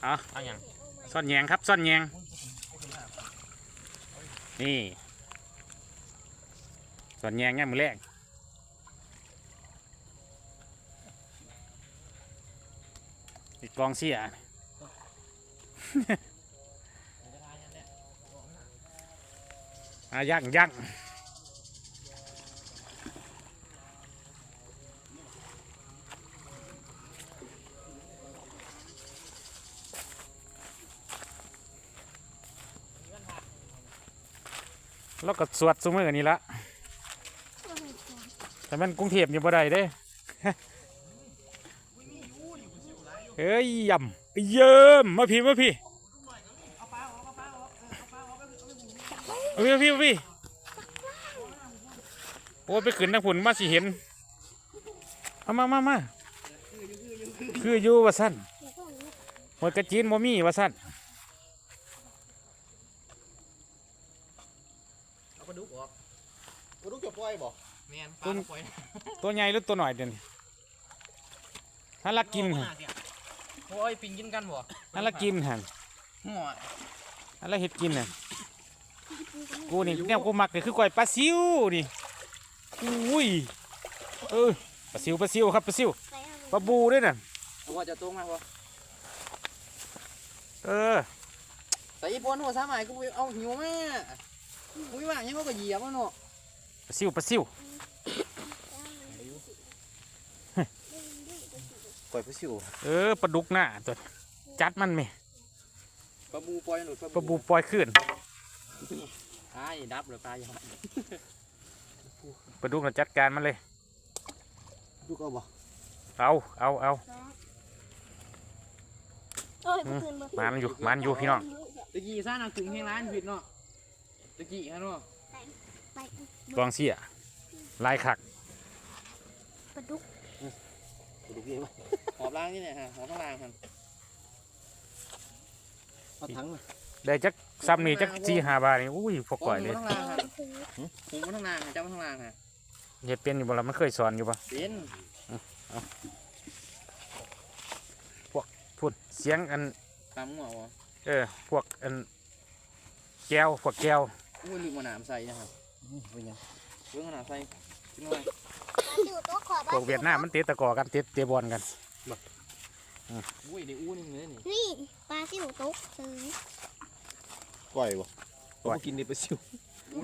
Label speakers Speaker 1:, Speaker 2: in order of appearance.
Speaker 1: เอาอย่าง
Speaker 2: ซ่อนแยงครับซ่อนแยงนี่ซ่อนแยงง่ายมือแรกอีกกองเสียย่างแล้วก็สวดซุ้มมือนี่ละแต่มันกรุงเทพอยู่บ่ได้เด้เฮ้ยยำเยิ้มมาพี่มาพี่โอ้ไปขึ้นนักผุนมาสิเห็นเอามาคืออยู่ว่าสั้นหมดกระจีนโมมี่ว่าสั้น
Speaker 1: เอาปลาดุกออก
Speaker 3: กูต้องจะปล่อยบ่
Speaker 1: แมนปลาปล่อย
Speaker 2: ตัวใหญ่หรือตัวหน่อยเดี๋ยวนี้ฮันลักกินฮะ
Speaker 1: โอ้ยปิงกินกันบ่
Speaker 2: ฮันลักกินฮะ
Speaker 1: หัว
Speaker 2: ฮันลักเห็ดกินฮะกูนี่แนวกูมักเลยคือก้อยปลาซิวนี่อุ้ยปลาซิวครับปลาซิวปลาบูด้วยน่ะ
Speaker 1: ว่าจะตรงมาบ่แต่อีปนหัวสาหมายกูเอาหิวแม่กูว่ายังเขาก็เหยียบมันเนาะ
Speaker 2: ปลาซิว
Speaker 3: ปล่อยผู้ชิว
Speaker 2: ปลาดุกหน้าตัวจัดมันไหม
Speaker 1: ปลาบูปล่อยหนุด
Speaker 2: ปลาบูปล่อยขึ้น
Speaker 1: ดับหรือปลาอย่าง
Speaker 2: ปลาดุกเราจัดการมันเลย
Speaker 3: ลูกเอาบ่
Speaker 2: เอามันอยู่พี่น้อง
Speaker 1: ตะกี้ซ่าหนักถึงแห้งร้านผิดเนาะตะกี้ฮะเนาะ
Speaker 2: กองเสียลายขัก
Speaker 3: ปลาดุกเยอะ
Speaker 1: หอบล่างนี่เนี่ยฮะหอบข้างล่างครับ
Speaker 3: เอาถังมา
Speaker 2: ได้จักซ้ำนี่จัก4-5 บาทนี่อุ้ยพอก่อยเลย
Speaker 1: หูมันข้างล่างเจ้าข้างล่างฮะ
Speaker 2: เฮ็ดเป็นอยู่บ่ล่ะมันเคยสอนอยู่ป่ะ
Speaker 1: เป็น
Speaker 2: พวกพูดเสียงอัน
Speaker 1: ตามหัว
Speaker 2: พวกอันแก้ว
Speaker 1: อุ้ยลืมมาหนามใส่นะครับ
Speaker 3: เป็นยัง
Speaker 1: เรื่องขนาดใส่ชิ้นอะไร
Speaker 2: พวกเวียดนามมันเตะตะกอกันเตะบอลกัน
Speaker 1: อุ้ยเดี๋ยวอู้นี่เลย
Speaker 4: นี่ปลาซิวตกซื้อ
Speaker 3: ปล่อยบ่กินดิปลาซิว